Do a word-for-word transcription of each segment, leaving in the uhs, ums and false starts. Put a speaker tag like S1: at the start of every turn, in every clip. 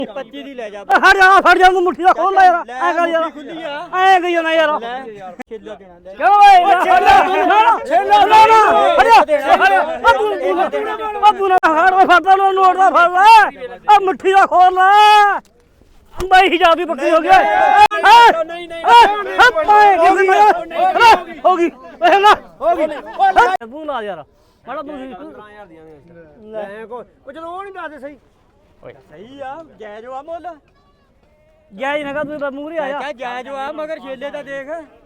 S1: ਪੱਚੀ ਦੀ ਲੈ ਜਾ
S2: ਹਟ ਜਾ ਫੜ ਜਾ ਤੂੰ ਮੁੱਠੀ ਦਾ ਖੋਲ ਲੈ ਯਾਰ ਐ ਕਰ ਯਾਰ
S1: ਖੁੱਲੀ ਆ
S2: ਐ ਗਈ ਨਾ ਯਾਰ
S1: ਛੇਲਾ ਦੇਣਾ ਲੈ
S2: ਕਿਉਂ ਓਏ ਛੇਲਾ ਛੇਲਾ ਨਾ ਨਾ ਹਟ ਜਾ ਆ ਤੂੰ ਆ ਤੂੰ ਨਾ ਹਟ ਓਏ ਫੜਦਾ ਨੂੰ ਨੋਟ ਦਾ ਫੜ ਲੈ ਆ ਮੁੱਠੀ ਦਾ ਖੋਲ ਲੈ ਬਾਈ ਹਿਜਾਬ ਦੀ ਬੱਕਰੀ ਹੋ ਗਿਆ
S1: ਨਹੀਂ ਨਹੀਂ
S2: ਹੋ ਗਈ ਹੋ ਗਈ ਓਏ ਨਾ ਹੋ ਗਈ ਤੂੰ ਲਾ ਯਾਰ ਮਾੜਾ ਤੂੰ
S1: ਪੰਦਰਾਂ ਹਜ਼ਾਰ ਦੀਆਂ ਲੈ ਕੋ ਉਹ ਜਦੋਂ ਉਹ ਨਹੀਂ ਦੱਸਦੇ ਸਹੀ ਓਏ ਸਹੀ ਆ ਜਾਇਜ਼ ਆ ਮੁੱਲ
S2: ਜਾਇਜ਼ ਨਾ ਕਰ ਤੂੰ ਮੂਹਰੇ ਆਇਆ
S1: ਕਹ ਜਾਇਜ਼ ਆ ਮਗਰ ਛੇਲੇ ਦਾ ਦੇਖ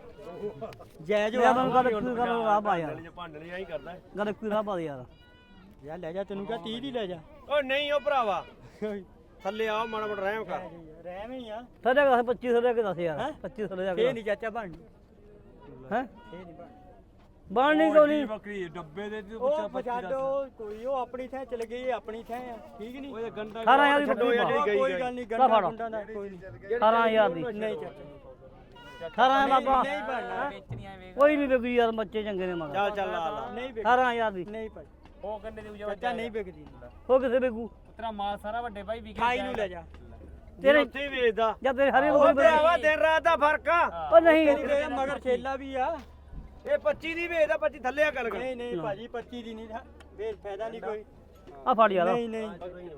S1: ਜਾਇਜ਼ ਆ
S2: ਮੈਨੂੰ ਗੱਲ ਕੀ ਕਰ ਆ ਪਾ ਯਾਰ
S3: ਭਾਂਡਣੇ ਆਈ ਕਰਦਾ
S2: ਗੱਲ ਕੀ ਰਾ ਪਾ ਯਾਰ
S1: ਯਾਰ ਲੈ ਜਾ ਤੈਨੂੰ ਕਹ ਤੀਹ ਦੀ ਲੈ ਜਾ
S3: ਓ ਨਹੀਂ ਓ ਭਰਾਵਾ ਥੱਲੇ ਆਓ ਮਾੜਾ ਮੋਟਾ ਰਹਿਮ ਕਰ
S1: ਰਹਿਮ ਹੀ ਆ
S2: ਥੱਲੇ ਕਾ ਪੱਚੀ ਸੌ ਲੈ ਕੇ ਦੱਸ ਯਾਰ ਪੱਚੀ ਸੌ ਲੈ
S1: ਇਹ ਨਹੀਂ ਚਾਚਾ ਬਣਨੀ
S2: ਹੈ
S1: ਇਹ ਨਹੀਂ
S2: ਬਣਨੀ ਕਿਉਂ ਨਹੀਂ
S3: ਬੱਕਰੀ ਡੱਬੇ ਦੇ ਤੇ
S1: ਉਹ ਛੱਡੋ ਕੋਈ ਉਹ ਆਪਣੀ ਥਾਂ ਚਲ ਗਈ ਆਪਣੀ ਥਾਂ ਆ ਠੀਕ ਨਹੀਂ
S3: ਓਏ ਗੰਡਾ
S2: ਅਠਾਰਾਂ ਹਜ਼ਾਰ ਦੀ ਬੱਕਰੀ ਪਾ
S1: ਕੋਈ ਗੱਲ ਨਹੀਂ ਗੰਡਾ ਗੁੰਡਾ ਦਾ ਕੋਈ ਨਹੀਂ
S2: ਅਠਾਰਾਂ ਹਜ਼ਾਰ ਦੀ
S1: ਨਹੀਂ ਚਾਚਾ
S2: ਅਠਾਰਾਂ ਬਾਬਾ
S1: ਨਹੀਂ ਬਣਨਾ
S2: ਕੋਈ ਨਹੀਂ ਵਿਕੂ ਯਾਰ ਬੱਚੇ ਚੰਗੇ ਨੇ ਮਗਰ
S3: ਚੱਲ ਚੱਲ ਲਾ ਲਾ
S1: ਨਹੀਂ ਵਿਕ
S2: ਅਠਾਰਾਂ ਹਜ਼ਾਰ ਦੀ
S1: ਨਹੀਂ ਭਾਈ
S3: ਉਹ ਗੰਡੇ ਦੀ
S1: ਚਾਚਾ ਨਹੀਂ ਵਿਕਦੀ
S2: ਉਹ ਕਿਸੇ ਵਿਕੂ
S3: ਤੇਰਾ ਮਾਲ ਸਾਰਾ ਵੱਡੇ ਭਾਈ ਵਿਕੇ
S1: ਖਾਈ ਨੂੰ ਲੈ ਜਾ
S2: ਤੇਰੇ
S3: ਉੱਥੇ ਹੀ ਵੇਚਦਾ
S2: ਜਦ ਤੇਰੇ ਹਰੇ
S3: ਉਹ ਭਰਾਵਾ ਦਿਨ ਰਾਤ ਦਾ ਫਰਕ ਆ
S2: ਉਹ ਨਹੀਂ
S1: ਤੇਰੇ ਮਗਰ ਛੇਲਾ ਵੀ ਆ
S3: ਇਹ ਪੱਚੀ ਦੀ ਵੇਚਦਾ ਪੱਚੀ ਥੱਲੇ ਆ ਗੱਲ ਕਰ
S1: ਨਹੀਂ ਨਹੀਂ ਭਾਜੀ ਪੱਚੀ ਦੀ ਨਹੀਂ ਵੇਚ ਫਾਇਦਾ ਨਹੀਂ ਕੋਈ
S2: ਆ ਫੜ ਯਾਰ
S1: ਨਹੀਂ ਨਹੀਂ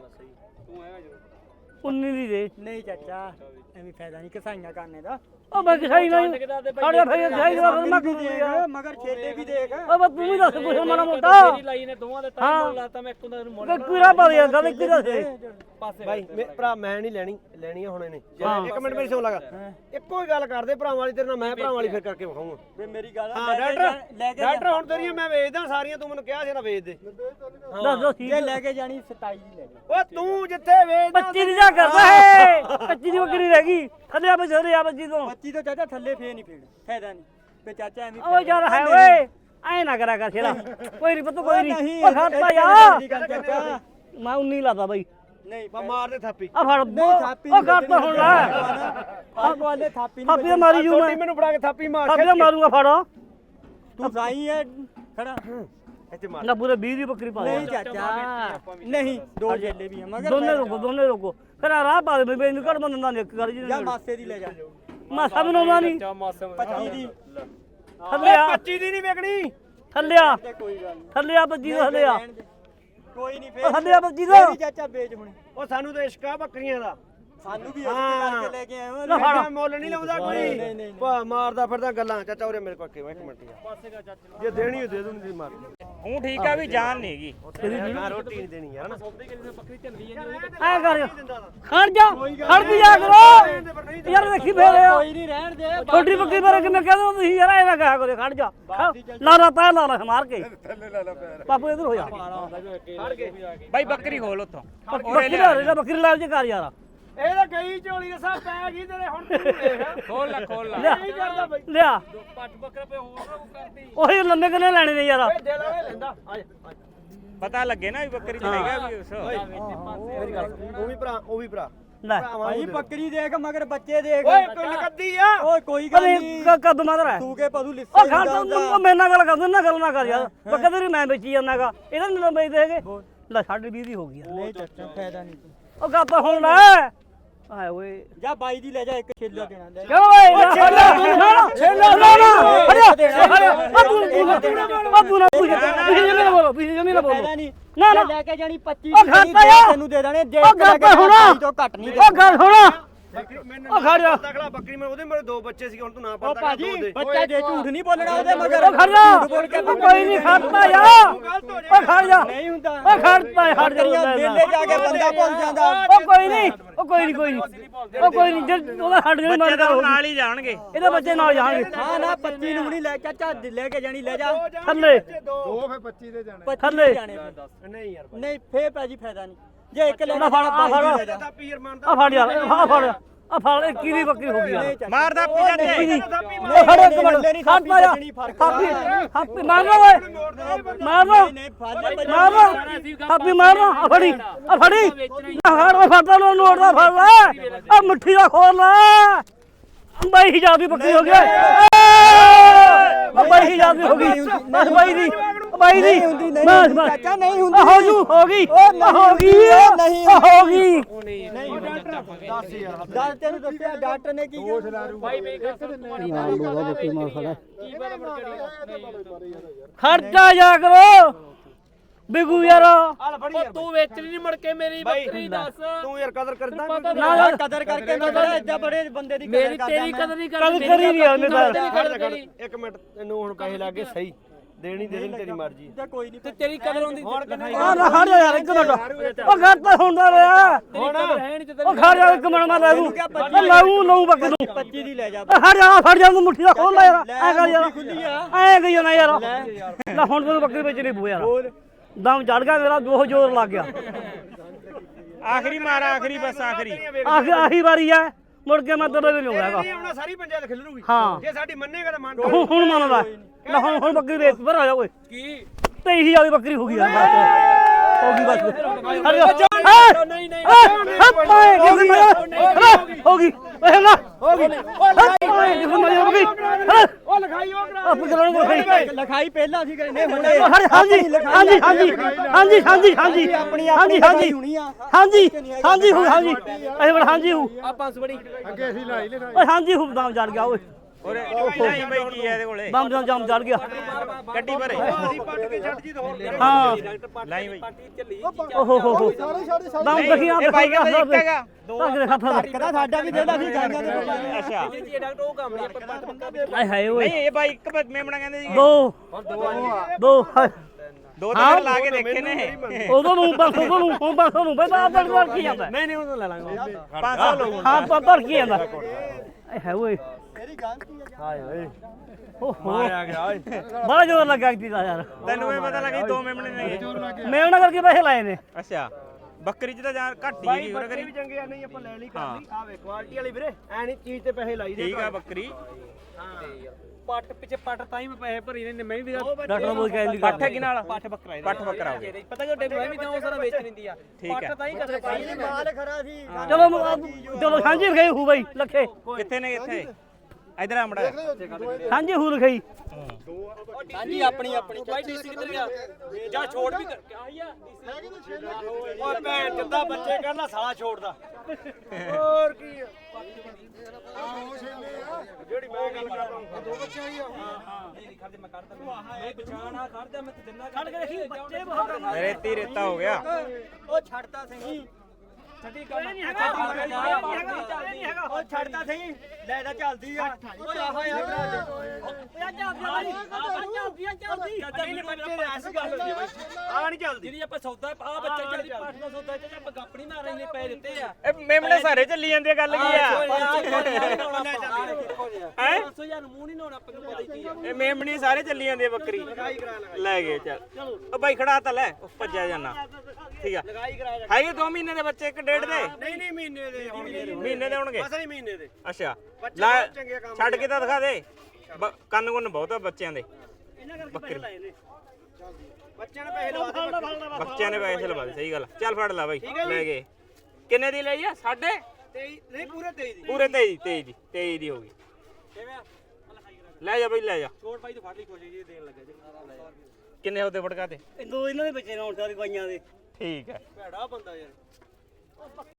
S3: ਤੂੰ ਹੈਗਾ ਜੋ
S2: ਉੱਨੀ ਦੀ ਦੇ
S1: ਨਹੀਂ ਚਾਚਾ ਐਵੇਂ ਫਾਇਦਾ ਨਹੀਂ ਕਸਾਈਆਂ ਕਰਨੇ ਦਾ
S2: ਉਹ ਮੈਂ ਕਿਸਾਈ ਨਹੀਂ ਸਾਡੇ ਫੇਰ ਕਿਸਾਈ ਦਾ ਮੈਂ ਕੀ
S1: ਦੇਖ ਮਗਰ ਛੇਲੇ ਵੀ ਦੇਖ
S2: ਉਹ ਬਸ ਤੂੰ ਵੀ ਦੱਸ ਕੁਛ ਮਾੜਾ ਮੋਟਾ
S3: ਲਾਈ ਨੇ ਦੋਵਾਂ ਦੇ ਤਾਂ ਲਾਤਾ ਮੈਂ ਇੱਕ ਹੁੰਦਾ ਨੂੰ ਮੋੜ
S2: ਕਿਹੜਾ ਪਾ ਯਾਰ ਗੱਲ ਕੀ ਦੱਸੇ
S3: ਪਾਸੇ ਭਾਈ ਭਰਾ ਮੈਂ ਨਹੀਂ ਲੈਣੀ ਲੈਣੀ ਆ ਹੁਣ ਇਹਨੇ ਇੱਕ ਮਿੰਟ ਮੇਰੀ ਸੁਣ ਲਗਾ ਇੱਕੋ ਹੀ ਗੱਲ ਕਰਦੇ ਭਰਾਵਾਂ ਵਾਲੀ ਤੇਰੇ ਨਾਲ ਮੈਂ ਭਰਾਵਾਂ ਵਾਲੀ ਫਿਰ ਕਰਕੇ ਵਿਖਾਉਂਗਾ
S1: ਵੇ ਮੇਰੀ ਗੱਲ
S3: ਹਾਂ ਡਾਕਟਰ ਡਾਕਟਰ ਹੁਣ ਤੇਰੀਆਂ ਮੈਂ ਵੇਚਦਾ ਸਾਰੀਆਂ ਤੂੰ ਮੈਨੂੰ ਕਿਹਾ ਸੀ ਨਾ ਵੇਚ ਦੇ
S2: ਦੱਸ ਦੋ ਠੀਕ
S1: ਜੇ ਲੈ ਕੇ ਜਾਣੀ ਸਤਾਈ ਦੀ ਲੈ ਜਾ
S3: ਓ ਤੂੰ ਜਿੱਥੇ ਵੇਚਦਾ
S2: ਪੱਚੀ ਦੀ ਜਾ ਕਰਦਾ ਹੈ ਪੱਚੀ ਦੀ ਬੱਕਰੀ ਰਹਿ ਗਈ ਥੱਲੇ ਆ ਬਜਰੇ ਆ ਬੱਜੀ ਤੋਂ
S1: ਪੱਚੀ ਤੋਂ ਚਾਚਾ ਥੱਲੇ ਫੇਰ ਨਹੀਂ ਫੇੜ ਫਾਇਦਾ ਨਹੀਂ ਤੇ ਚਾਚਾ ਐਵੇਂ
S2: ਓ ਯਾਰ ਹੈ ਓਏ ਐ ਨਾ ਕਰਾ ਕਰ ਛੇੜਾ ਕੋਈ ਨਹੀਂ ਪਤਾ ਕੋਈ ਨਹੀਂ ਓ ਖੜਤਾ ਯਾਰ
S1: ਚਾਚਾ
S2: ਮੈਂ ਉੱਨੀ ਲਾਦਾ ਬਾਈ
S1: ਨਹੀਂ
S3: ਬਾ ਮਾਰ ਦੇ ਥਾਪੀ
S2: ਆ ਫੜ ਓ ਖੜਤਾ ਹੁਣ ਲੈ
S1: ਆ ਕੋਲੇ ਥਾਪੀ
S2: ਥਾਪੀ ਤਾਂ ਮਾਰੀ ਜੂ ਮੈਂ
S3: ਮੈਨੂੰ ਫੜਾ ਕੇ ਥਾਪੀ ਮਾਰ
S2: ਥਾਪੀ ਤਾਂ ਮਾਰੂੰਗਾ ਫੜ
S1: ਤੂੰ ਸਾਈ ਹੈ ਖੜਾ
S3: ਇੱਥੇ ਮਾਰ
S2: ਨਾ ਪੂਰੇ ਵੀਹ ਦੀ ਬੱਕਰੀ ਪਾ ਦੇ
S1: ਨਹੀਂ ਚਾਚਾ ਨਹੀਂ ਦੋ ਜੇਲੇ ਵੀ ਆ ਮਗਰ
S2: ਦੋਨੇ ਰੁਕੋ ਦੋਨੇ ਰੁਕੋ ਫਿਰ ਆ ਰਾਹ ਪਾ ਦੇ ਬਈ ਇਹਨੂੰ ਘੜ ਬੰਦਾ ਨੇ ਇੱਕ ਕਰ ਜੀ
S1: ਜਾਂ ਮਾਸੇ ਦੀ ਲੈ ਜਾ
S2: ਮਾਸਾ ਬਣਾਉਂਦਾ ਨਹੀਂ
S1: ਪੱਚੀ ਦੀ
S2: ਥੱਲੇ ਆ
S3: ਪੱਚੀ ਦੀ ਨਹੀਂ ਵੇਚਣੀ
S2: ਥੱਲੇ ਆ
S1: ਤੇ ਕੋਈ ਗੱਲ ਨਹੀਂ
S2: ਥੱਲੇ ਆ ਬੱਜੀ ਦਾ ਥੱਲੇ ਆ
S1: ਕੋਈ ਨਹੀਂ
S2: ਉਹ
S1: ਫੇਰ
S2: ਥੱਲੇ ਆ ਬੱਜੀ ਦਾ
S1: ਵੀ ਚਾਚਾ ਵੇਚ ਹੁਣ
S3: ਉਹ ਸਾਨੂੰ ਤਾਂ ਇਸ਼ਕ ਆ ਬੱਕਰੀਆਂ ਦਾ
S1: ਸਾਨੂੰ ਵੀ ਇਸੇ ਕਰਕੇ ਲੈ ਕੇ ਆਏ ਹੋ
S2: ਲੈ ਫੜ
S3: ਐਡਾ ਮੁੱਲ ਨਹੀਂ ਲਾਉਂਦਾ
S1: ਨਹੀਂ,
S3: ਕੋਈ
S1: ਨਹੀਂ,
S3: ਭਾ ਮਾਰਦਾ ਫਿਰਦਾ ਗੱਲਾਂ ਚਾਚਾ ਉਰੇ ਮੇਰੇ ਕੋਲ ਇੱਕ ਮਿੰਟ ਯਾਰ ਜੇ ਦੇਣੀ ਹੋ ਦੇ ਦੂੰ ਨਹੀਂ ਮਾਰ
S4: ਹੂੰ ਠੀਕ ਆ ਵੀ ਜਾਨ ਨਹੀਂ ਹੈਗੀ
S3: ਮੈਂ ਰੋਟੀ ਨਹੀਂ ਦੇਣੀ ਯਾਰ ਨਾ
S2: ਐ ਕਰ ਖੜ ਜਾ ਖੜ ਵੀ ਜਾ ਕਰੋ ਯਾਰ ਦੇਖੀ ਫੇਰ
S1: ਕੋਈ ਨਹੀਂ ਰਹਿਣ ਦੇ
S2: ਛੋਟੀ ਬੱਕਰੀ ਬਾਰੇ ਕਿਵੇਂ ਕਹਿੰਦੇ ਤੁਸੀਂ ਯਾਰ ਐ ਨਾ ਕਹਿਆ ਕਰੋ ਖੜ ਜਾ ਲਾ ਲਾ ਪੈ ਲਾ ਲਾ ਮਾਰ ਕੇ ਥੱਲੇ ਲਾ ਲਾ ਪੈਰ ਬਾਪੂ ਇਧਰ ਹੋ ਜਾ
S4: ਬਾਈ ਬੱਕਰੀ ਖੋਲ ਉਥੋਂ
S2: ਬੱਕਰੀ ਲਾ ਰੇ ਬੱਕਰੀ ਲਾ ਜੇ ਕਰ ਯਾਰ
S3: ਇਹ ਤਾਂ ਗਈ ਝੋਲੀ ਦੇ ਸਾਹ ਪੈ ਗਈ ਤੇਰੇ ਹੁਣ ਤੂੰ ਦੇਖ
S4: ਖੋਲ ਲੈ ਖੋਲ ਲੈ
S2: ਲਿਆ
S3: ਨਹੀਂ ਕਰਦਾ ਬਈ
S2: ਲਿਆ
S3: ਪੱਟ ਬੱਕਰਾ ਪੇ ਹੋਰ ਕਰਦੀ
S2: ਉਹੀ ਲੰਮੇ ਕਿੰਨੇ ਲੈਣੇ ਨੇ ਯਾਰ
S3: ਓਏ ਦਿਲ ਵਾਲੇ ਲੈਂਦਾ ਆ ਜਾ
S4: ਪਤਾ ਲੱਗੇ ਨਾ ਵੀ ਬੱਕਰੀ ਚ ਹੈਗਾ ਵੀ ਉਸ
S3: ਮੇਰੀ ਗੱਲ ਉਹ ਵੀ ਭਰਾ ਉਹ ਵੀ ਭਰਾ
S2: ਲੈ
S1: ਭਾਈ ਬੱਕਰੀ ਦੇਖ ਮਗਰ ਬੱਚੇ ਦੇਖ
S3: ਓਏ ਕੋਈ ਨਕਦੀ ਆ
S1: ਓਏ ਕੋਈ ਗੱਲ
S2: ਅਰੇ
S1: ਨਹੀਂ
S2: ਕਦ ਮਾਦਰ ਹੈ
S1: ਤੂੰ ਕੇ ਪਦੂ ਲਿੱਸੇ
S2: ਉਹ ਖੜ ਤੂੰ ਮੇਰੇ ਨਾਲ ਗੱਲ ਕਰ ਨਾ ਗੱਲ ਨਾ ਕਰ ਯਾਰ ਬੱਕਰੀ ਤੇਰੀ ਮੈਂ ਵੇਚੀ ਜਾਂਦਾਗਾ ਇਹਨਾਂ ਨੂੰ ਵੇਚਦੇ ਹੈਗੇ ਲੈ ਸਾਢੇ ਵੀਹ ਦੀ ਹੋ ਗਈ ਯਾਰ
S1: ਨਹੀਂ ਚਾਚਾ ਫਾਇਦਾ ਨਹੀਂ
S2: ਉਹ ਗੱਪ ਹੁਣ ਲੈ ਆਏ ਓਏ
S1: ਜਾ ਬਾਈ ਦੀ ਲੈ ਜਾ ਇੱਕ ਛੇਲਾ ਦੇਣਾ ਲੈ
S2: ਕਿਉਂ ਓਏ ਛੇਲਾ ਛੇਲਾ ਨਾ ਹਰਿਆ ਹਰਿਆ ਆ ਤੂੰ ਆ ਤੂੰ ਨਾ ਪੁੱਛ ਪਿੱਛੇ ਜਮੀ ਨਾ ਬੋਲੋ ਪਿੱਛੇ ਜਮੀ ਨਾ ਬੋਲੋ
S1: ਫਾਇਦਾ ਨਹੀਂ
S2: ਨਾ ਨਾ
S1: ਲੈ ਕੇ ਜਾਣੀ ਪੱਚੀ
S2: ਉਹ ਖਾਤਾ ਯਾਰ
S1: ਤੈਨੂੰ ਦੇ ਦੇਣੇ ਜੇ
S2: ਉਹ ਗੱਪ ਹੋਣਾ
S1: ਤੋਂ ਘੱਟ ਨਹੀਂ
S2: ਉਹ ਗੱਲ ਹੋਣਾ
S3: ਮੈਨੂੰ
S2: ਉਹ ਖੜ ਜਾ
S3: ਤਕੜਾ ਬੱਕਰੀ ਮੈਂ ਉਹਦੇ ਮੇਰੇ ਦੋ ਬੱਚੇ ਸੀ ਹੁਣ ਤੂੰ ਨਾ
S1: ਉਹ
S3: ਪੜਦਾ
S1: ਭਾਜੀ ਬੱਚਾ ਜੇ ਝੂਠ ਨਹੀਂ ਬੋਲਣਾ ਉਹਦੇ ਮਗਰ
S2: ਉਹ ਖੜ ਜਾ ਉਹ ਕੋਈ ਨਹੀਂ ਖੜਦਾ ਯਾਰ ਉਹ ਖੜ ਜਾ
S1: ਨਹੀਂ ਹੁੰਦਾ
S2: ਉਹ ਖੜਦਾ ਖੜ ਜਾ
S1: ਮੇਲੇ ਜਾ ਕੇ ਬੰਦਾ ਭੁੱਲ ਜਾਂਦਾ
S2: ਉਹ ਕੋਈ ਨਹੀਂ ਉਹ ਕੋਈ ਨਹੀਂ ਕੋਈ ਨਹੀਂ ਉਹ ਕੋਈ ਨਹੀਂ ਜੇ ਉਹਦਾ ਹੱਡ ਜਿਹੜੀ
S4: ਬੱਚੇ
S2: ਮਰ
S4: ਤਾਂ ਨਾਲ ਹੀ ਜਾਣਗੇ
S2: ਇਹਦੇ ਬੱਚੇ ਨਾਲ ਜਾਣਗੇ
S1: ਹਾਂ ਨਾ ਪੱਚੀ ਨੂੰ ਨਹੀਂ ਲੈ ਚਾਚਾ ਲੈ ਕੇ ਜਾਣੀ ਲੈ ਜਾ
S2: ਥੱਲੇ
S3: ਦੋ ਫੇ ਪੱਚੀ ਦੇ ਜਾਣੇ
S2: ਥੱਲੇ
S1: ਜਾਣੇ
S3: ਨਹੀਂ ਯਾਰ
S1: ਨਹੀਂ ਫੇਰ ਭਾਜੀ ਫਾਇਦਾ ਨਹੀਂ ਜੇ ਇੱਕ ਲੈ
S2: ਨਾ ਫੜ ਆ ਫੜ
S3: ਤਾਂ ਪੀਰ ਮੰਨਦਾ
S2: ਆ ਫੜ ਯਾਰ ਆ ਫੜ ਆ ਫੜ ਇੱਕੀ ਦੀ ਬੱਕਰੀ ਹੋ ਗਈ ਯਾਰ
S4: ਮਾਰਦਾ ਪੀਜਾ ਤੇ
S2: ਉਹ ਖੜ ਇੱਕ ਮਿੰਟ ਖੜਦਾ ਯਾਰ ਹਾਪੀ ਹਾਪੀ ਮਾਰ ਲੋ ਓਏ ਮਾਰ ਲੋ
S1: ਨਹੀਂ ਫਾਇਦਾ
S2: ਮਾਰ ਲੋ ਹਾਪੀ ਮਾਰ ਲੋ ਆ ਫੜੀ ਆ ਫੜੀ ਨਾ ਫੜ ਓਏ ਫੜਦਾ ਨੂੰ ਨੋਟ ਦਾ ਫੜ ਲੈ ਆ ਮੁੱਠੀ ਦਾ ਖੋਲ ਲੈ ਬਾਈ ਹਿਜਾਬ ਦੀ ਬੱਕਰੀ ਹੋ ਗਈ ਓਏ ਬਾਈ ਹਿਜਾਬ ਦੀ ਹੋ ਗਈ ਬਸ ਬਾਈ ਦੀ ਬਾਈ ਦੀ ਬਸ ਬਸ
S1: ਚਾਚਾ ਨਹੀਂ ਹੁੰਦੀ
S2: ਹੋ ਜੂ ਹੋ ਗਈ
S1: ਉਹ ਨਹੀਂ
S2: ਹੋ ਗਈ
S1: ਨਹੀਂ
S2: ਹੋ ਗਈ
S1: ਨਹੀਂ ਦੱਸ ਯਾਰ ਦੱਸ ਤੈਨੂੰ ਦੱਸਿਆ ਡਾਕਟਰ ਨੇ ਕੀ ਕਿਹਾ
S5: ਬਾਈ ਮੇਰੀ ਗੱਲ ਸੁਣ ਤੁਹਾਡੀ
S2: ਯਾਰ ਲੋਗਾ ਬੱਕਰੀ ਮਾਰ ਖੜਾ
S5: ਕੀ ਪਤਾ ਮੁੜ ਕੇ
S2: ਖਰਚਾ ਜਾ ਕਰੋ ਬਿਗੂ ਯਾਰ
S5: ਉਹ ਤੂੰ ਵੇਚਣੀ ਨਹੀਂ ਮੁੜ ਕੇ ਮੇਰੀ ਬੱਕਰੀ ਦੱਸ
S3: ਤੂੰ ਯਾਰ ਕਦਰ ਕਰਦਾ
S5: ਪਤਾ
S2: ਨਾ
S1: ਨਾ ਕਦਰ ਕਰਕੇ ਮੈਂ ਬੜਾ ਏਦਾਂ ਬੜੇ ਬੰਦੇ ਦੀ
S5: ਮੇਰੀ ਤੇਰੀ ਕਦਰ ਨਹੀਂ
S2: ਕਦ
S5: ਕਰਦੀ
S2: ਕਰੀ ਨਹੀਂ ਉਹਨੇ ਤਾਂ
S3: ਇੱਕ ਮਿੰਟ ਤੈਨੂੰ ਹੁਣ ਪੈਸੇ ਲੱਗੇ ਸਹੀ ਦੇਣੀ ਦੇ ਦੇਣੀ ਤੇਰੀ ਮਰਜ਼ੀ
S1: ਕੋਈ ਨਹੀਂ
S5: ਤੇ ਤੇਰੀ ਕਦਰ ਹੁੰਦੀ
S2: ਆ ਨਾ ਹਟ ਜਾ ਯਾਰ ਇੱਕ ਮਿੰਟ ਉਹ ਘਰ ਤਾਂ ਹੁੰਦਾ ਰਿਹਾ
S5: ਹੈ ਨਹੀਂ ਤੇ
S2: ਉਹ ਖੜ ਜਾ ਇੱਕ ਮਿੰਟ ਮੈਂ ਲੈ ਦੂੰ ਉਹ ਲਾਉਂ ਲਾਉਂ ਬੱਕਰੀ ਨੂੰ
S1: ਪੱਚੀ ਦੀ ਲੈ ਜਾ
S2: ਉਹ ਹਟ ਜਾ ਫੜ ਜਾ ਤੂੰ ਮੁੱਠੀ ਦਾ ਖੋਲ ਲੈ ਯਾਰ ਐ ਕਰ ਯਾਰ ਐ ਗਈ ਨਾ ਯਾਰ ਲੈ ਹੁਣ ਤੈਨੂੰ ਬੱਕਰੀ ਵੇਚਣੀ ਪਊ ਯਾਰ ਦਮ ਚੜ ਗਿਆ ਮੇਰਾ ਦੋ ਜ਼ੋਰ ਲੱਗ ਗਿਆ
S4: ਆਖਰੀ ਮਾਰ ਆਖਰੀ ਬਸ ਆਖਰੀ
S2: ਆਖੀ ਆਹੀ ਵਾਰੀ ਐ ਮੁੜ ਕੇ ਮੈਂ ਤੇਰੇ ਵੀ ਨਹੀਂ ਹੋਇਆਗਾ
S3: ਨਹੀਂ ਆਉਣਾ ਸਾਰੀ ਪੰਚਾਇਤ ਖਿਲਰੂਗੀ
S2: ਹਾਂ
S3: ਜੇ ਸਾਡੀ ਮੰਨੇਗਾ ਤਾਂ ਮੰਨ
S2: ਹੁਣ ਹੁਣ ਮੰਨਦਾ ਲੈ ਹੁਣ ਹੁਣ ਬੱਕਰੀ ਵੇਚ ਪਰ ਆ ਜਾ ਓਏ
S5: ਕੀ
S2: ਤੇਈ ਹਜ਼ਾਰ ਦੀ ਬੱਕਰੀ ਹੋ ਗਈ ਯਾਰ ਬਸ ਹੋ ਗਈ ਬਸ ਹਟ ਜਾ
S5: ਨਹੀਂ ਨਹੀਂ
S2: ਹੋ ਗਈ ਓਏ ਨਾ ਹੋ ਗਈ ਹੋ ਗਈ
S3: ਉਹ ਲਿਖਾਈ ਉਹ ਕਰਾ
S2: ਆਪ ਕਰਾਂ ਨੂੰ ਲਿਖਾਈ
S1: ਲਿਖਾਈ ਪਹਿਲਾਂ ਸੀ ਕਰਨੇ ਹੁੰਦੇ
S2: ਹਾਂਜੀ ਹਾਂਜੀ ਹਾਂਜੀ ਹਾਂਜੀ ਹਾਂਜੀ ਹਾਂਜੀ
S1: ਆਪਣੀ
S2: ਹਾਂਜੀ ਹਾਂਜੀ
S1: ਹੋਣੀ ਆ
S2: ਹਾਂਜੀ ਹਾਂਜੀ ਹੂ ਹਾਂਜੀ ਇਹ ਬੜਾ ਹਾਂਜੀ ਹੂ
S5: ਆ ਪੰਜ ਬੜੀ
S2: ਓਏ ਹਾਂਜੀ ਹੂ ਦਮ ਚੜ ਗਿਆ ਓਏ
S4: ਓਰੇ ਨਹੀਂ ਬਈ ਕੀ ਹੈ ਇਹਦੇ ਕੋਲੇ
S2: ਦਮ ਦਮ ਜਮ ਚੜ ਗਿਆ
S4: ਗੱਡੀ ਭਰੇ
S3: ਅਸੀਂ ਪੱਟ ਕੇ ਛੱਡ ਜੀ ਤਾਂ ਹੋਰ
S2: ਹਾਂ
S4: ਲਾਈ ਬਈ
S2: ਓਹੋ ਹੋ ਹੋ ਦਮ ਦਖੀਆਂ
S4: ਇਹ ਬਾਈ ਕਹਿੰਦਾ ਇੱਕ ਹੈਗਾ
S2: ਤੱਕ ਦੇ ਖਾਤਾ
S1: ਕਹਿੰਦਾ ਸਾਡਾ ਵੀ ਦੇਦਾ ਸੀ ਗਾਈਆਂ ਦੇ ਕੋਲ
S4: ਅੱਛਾ
S5: ਜੀ ਡਾਕਟਰ ਉਹ ਕੰਮ ਨਹੀਂ ਆਪਾਂ ਪੱਟ ਪੱਕਾ
S2: ਆਏ ਹਾਏ ਓਏ
S4: ਨਹੀਂ ਇਹ ਬਾਈ ਇੱਕ ਮੇਮਣਾ ਕਹਿੰਦੇ ਸੀ
S2: ਦੋ ਦੋ ਹਾਏ।
S4: ਦੋ ਤਿੰਨ ਲਾ ਕੇ ਦੇਖੇ ਨੇ
S2: ਉਦੋਂ ਨੂੰ ਬਸ ਉਦੋਂ ਨੂੰ ਹੁਣ ਬਸ ਉਹਨੂੰ ਬਈ ਆਪ ਬੜ ਕੀ ਜਾਂਦਾ
S3: ਨਹੀਂ ਨਹੀਂ ਉਹਨੂੰ ਲੈ ਲਾਂਗੇ
S4: ਪੰਜ ਸੌ ਲਓ
S2: ਹਾਂ ਪਰ ਪਰ ਕੀ ਜਾਂਦਾ ਆਏ ਹਾਏ ਓਏ
S1: ਮੇਰੀ ਗਲਤੀ ਆ
S3: ਹਾਏ ਓਏ
S2: ਓਹੋ
S3: ਆ ਗਿਆ ਓਏ
S2: ਬੜਾ ਜ਼ੋਰ ਲੱਗਾ ਕਿਤੇ ਦਾ ਯਾਰ
S4: ਤੈਨੂੰ ਇਹ ਪਤਾ ਲੱਗਾ ਦੋ ਮੇਮਣੇ ਨੇ
S2: ਮੈਂ ਉਹਨਾਂ ਕਰਕੇ ਪੈਸੇ ਲਾਏ ਨੇ
S4: ਅੱਛਾ ਬੱਕਰੀ ਚ ਤਾਂ ਜਾਨ ਘੱਟ ਹੀ ਹੈਗੀ ਹੋਰ
S3: ਬੱਕਰੀ
S4: ਕਰੀ
S3: ਵੀ ਚੰਗੇ ਆ ਨਹੀਂ ਆਪਾਂ ਲੈ ਲਈ ਕਰ ਲਈ ਆ ਵੇ ਕੁਆਲਿਟੀ ਵਾਲੀ ਵੀਰੇ ਐ ਨਹੀਂ ਚੀਜ਼ ਤੇ ਪੈਸੇ ਲਾਈ ਦੇ
S4: ਠੀਕ ਆ ਬੱਕਰੀ
S5: ਪੱਟ ਪਿੱਛੇ ਪੱਟ ਤਾਂ ਹੀ ਮੈਂ ਪੈਸੇ ਭਰੀ ਨੇ ਮੈਂ ਵੀ
S2: ਡਾਕਟਰ ਬੋਲ ਕੇ ਆਈ
S4: ਪੱਠ ਕੀ ਨਾਲ
S5: ਪੱਠ ਬੱਕਰਾ ਇਹਦਾ।
S4: ਪੱਠ ਬੱਕਰਾ ਹੋ ਗਿਆ
S5: ਪਤਾ ਕਿ ਡੇਬੀ ਮੈਂ ਵੀ ਤਾਂ ਉਹ ਸਾਰਾ ਵੇਚ ਲੈਂਦੀ ਆ
S4: ਠੀਕ ਹੈ।
S5: ਪੱਟ ਤਾਂ ਹੀ ਕਰ ਪਾਈ ਨੇ
S1: ਮਾਲ ਖਰਾ ਸੀ
S2: ਚਲੋ ਮ- ਚਲੋ ਸਾਂਝੀ ਰਖਾਈ ਹੂ ਬਈ ਲੱਖੇ
S4: ਕਿੱਥੇ ਨੇ ਕਿੱਥੇ ਇਧਰ ਆਮੜਾ
S2: ਸਾਂਝੀ ਹੂ ਰਖਾਈ
S1: ਹਾਂਜੀ ਆਪਣੀ ਆਪਣੀ
S5: ਬਾਈ ਡੀਸੀ ਕਿੱਧਰ ਗਿਆ ਜਾਂ ਛੋੜ ਵੀ ਕਰ ਆਈ ਆ
S3: ਓਏ ਭੈਣ ਜਿੱਦਾਂ ਬੱਚੇ ਕਰਨਾ ਸਾਲਾ ਛੋੜਦਾ ਹੋਰ ਕੀ ਆ ਜਿਹੜੀ ਮੈਂ ਗੱਲ ਕਰਦਾ ਦੋ ਬੱਚੇ ਆਈ ਆ
S5: ਖੜਦੇ ਮੈਂ ਕੱਢਦਾ ਮੈਂ ਪਛਾਣਾ ਖੜਦਾ ਮੈਂ ਤੇ ਦਿੰਦਾ ਖੜ ਕੇ ਦੇਖੀ ਬੱਚੇ ਬਹੁਤ
S4: ਰੇਤੀ ਰੇਤਾ ਹੋ ਗਿਆ
S1: ਉਹ ਛੱਡਦਾ ਸਹੀ
S5: ਛੱਡੀ ਕਰ ਨਹੀਂ
S1: ਉਹ ਛੱਡਦਾ ਸਹੀ ਲੈ ਦਾ ਚੱਲਦੀ ਆ ਓਏ ਆਹ ਯਾਰ
S3: ਆ ਨਹੀਂ ਚੱਲਦੀ
S5: ਜਿਹੜੀ ਆਪਾਂ ਸੌਦਾ ਆ ਬੱਚੇ ਚੱਲਦੀ ਪਾਠ ਦਾ ਸੌਦਾ ਚ ਆਪਾਂ ਗੱਪਣੀ ਮਾਰ ਰਹੇ ਨੇ ਪੈਸੇ ਦਿੱਤੇ ਆ
S4: ਇਹ ਮੇਮਣੇ ਸਾਰੇ ਚੱਲੀ ਜਾਂਦੇ ਆ, ਗੱਲ ਕੀ ਆ ਹੈ
S5: ਪੰਜ ਸੌ ਹਜ਼ਾਰ ਨੂੰ ਮੂੰਹ ਨਹੀਂ ਨਹਾਉਣਾ ਆਪਾਂ ਨੂੰ ਪਤਾ ਹੀ ਕੀ ਆ
S4: ਇਹ ਮੇਮਣੀ ਸਾਰੇ ਚੱਲੀ ਜਾਂਦੇ ਆ ਬੱਕਰੀ ਲੈ ਗਏ ਚੱਲ ਉਹ ਬਾਈ ਖੜਾ ਤਾਂ ਲੈ ਉਹ ਭੱਜਿਆ ਜਾਣਾ ਠੀਕ ਆ ਹੈਗੇ ਦੋ ਮਹੀਨੇ ਦੇ ਬੱਚੇ ਇੱਕ ਡੇਢ ਦੇ
S3: ਨਹੀਂ ਨਹੀਂ ਮਹੀਨੇ ਦੇ ਹੋਣਗੇ
S4: ਮਹੀਨੇ ਦੇ ਹੋਣਗੇ
S3: ਅਸਲੀ ਮਹੀਨੇ ਦੇ
S4: ਅੱਛਾ
S3: ਬੱਚੇ
S4: ਲੈ
S3: ਬਹੁਤ ਚੰਗੇ ਕੰਮ
S4: ਛੱਡ ਕੇ ਤਾਂ ਦਿਖਾ ਦੇ ਬ- ਕੰਨ ਕੁੰਨ ਬਹੁਤ ਆ ਬੱਚਿਆਂ ਦੇ ਬੱਕਰੀ
S3: ਬੱਚਿਆਂ ਨੇ ਪੈਸੇ ਲਵਾ ਦੇ
S4: ਬੱਚਿਆਂ ਨੇ ਪੈਸੇ ਲਵਾ ਦੇ ਸਹੀ ਗੱਲ ਚੱਲ ਫੜ ਲੈ ਬਾਈ ਲੈ ਗਏ ਕਿੰਨੇ ਦੀ ਲਈ ਆ ਸਾਢੇ
S3: ਤੇਈ ਨਹੀਂ ਪੂਰੇ ਤੇਈ ਦੀ
S4: ਪੂਰੇ ਤੇਈ ਤੇਈ ਦੀ ਤੇਈ ਦੀ ਹੋ ਗਈ ਲੈ ਜਾ ਬਾਈ ਲੈ ਜਾ
S5: ਛੋੜ ਪਾਈ ਤੋਂ ਫੜ ਲਈ ਕੋਸ਼ਿਸ਼ ਜੀ ਦੇਣ ਲੱਗਾ ਜੀ
S4: ਕਿੰਨੇ ਉਹਦੇ ਫੜਕਾ ਤੇ
S2: ਦੋ ਇਹਨਾਂ ਦੇ ਬੱਚੇ ਨੇ ਹੁਣ ਸਾਰੀ ਬਾਈਆਂ ਦੇ
S4: ਠੀਕ ਹੈ
S3: ਭੈੜਾ ਬੰਦਾ ਯਾਰ